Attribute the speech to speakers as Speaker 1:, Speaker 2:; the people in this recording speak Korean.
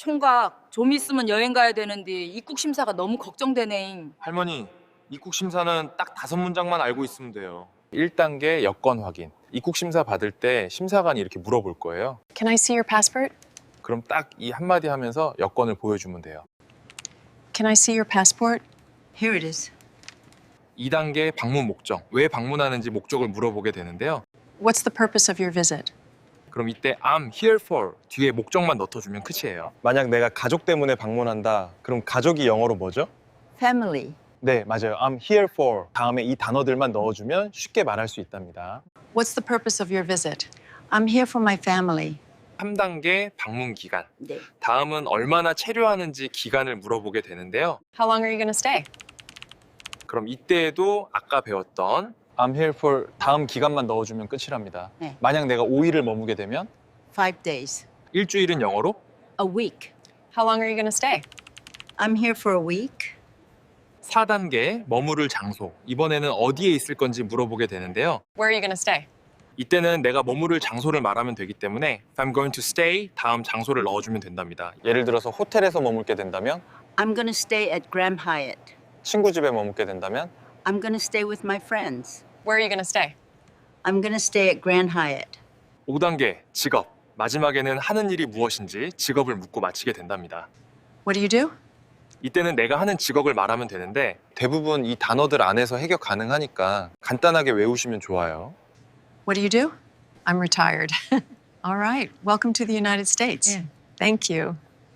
Speaker 1: 총각, 좀 있으면 여행 가야 되는데 입국 심사가 너무 걱정되네.
Speaker 2: 할머니, 입국 심사는 딱 5문장만 알고 있으면 돼요.
Speaker 3: 1단계 여권 확인. 입국 심사 받을 때 심사관이 이렇게 물어볼 거예요.
Speaker 4: Can I see your passport?
Speaker 3: 그럼 딱 이 한마디 하면서 여권을 보여주면 돼요.
Speaker 4: Can I see your passport?
Speaker 1: Here it is.
Speaker 3: 2단계 방문 목적. 왜 방문하는지 목적을 물어보게 되는데요.
Speaker 4: What's the purpose of your visit?
Speaker 3: 그럼 이때 I'm here for 뒤에 목적만 넣어주면 끝이에요.
Speaker 5: 만약 내가 가족 때문에 방문한다, 그럼 가족이 영어로 뭐죠?
Speaker 1: Family.
Speaker 5: 네, 맞아요. I'm here for 다음에 이 단어들만 넣어주면 쉽게 말할 수 있답니다.
Speaker 4: What's the purpose of your visit?
Speaker 1: I'm here for my family.
Speaker 3: 3단계 방문 기간.
Speaker 1: 네.
Speaker 3: 다음은 얼마나 체류하는지 기간을 물어보게 되는데요.
Speaker 4: How long are you going to stay?
Speaker 3: 그럼 이때에도 아까 배웠던
Speaker 5: I'm here for 다음 기간만 넣어주면 끝이랍니다.
Speaker 1: 네.
Speaker 5: 만약 내가 5일을 머무게 되면
Speaker 1: 5 days.
Speaker 3: 일주일은 영어로
Speaker 1: A week.
Speaker 4: How long are you going to stay?
Speaker 1: I'm here for a week.
Speaker 3: 4단계 머무를 장소. 이번에는 어디에 있을 건지 물어보게 되는데요.
Speaker 4: Where are you going to stay?
Speaker 3: 이때는 내가 머무를 장소를 말하면 되기 때문에 If I'm going to stay 다음 장소를 넣어주면 된답니다.
Speaker 5: 예를 들어서 호텔에서 머물게 된다면,
Speaker 1: I'm gonna stay at Grand Hyatt.
Speaker 5: 친구 집에 머물게 된다면,
Speaker 1: I'm gonna stay with my friends.
Speaker 4: Where are you going to stay?
Speaker 1: I'm gonna stay at Grand Hyatt.
Speaker 3: 5단계 직업. 마지막에는 하는 일이 무엇인지 직업을 묻고 마치게 된답니다.
Speaker 4: What do you do?
Speaker 3: 이때는 내가 하는 직업을 말하면 되는데
Speaker 5: 대부분 이 단어들 안에서 해결 가능하니까 간단하게 외우시면 좋아요.
Speaker 4: What do you do? I'm retired. All right. Welcome to the United States.
Speaker 1: Yeah.
Speaker 4: Thank you.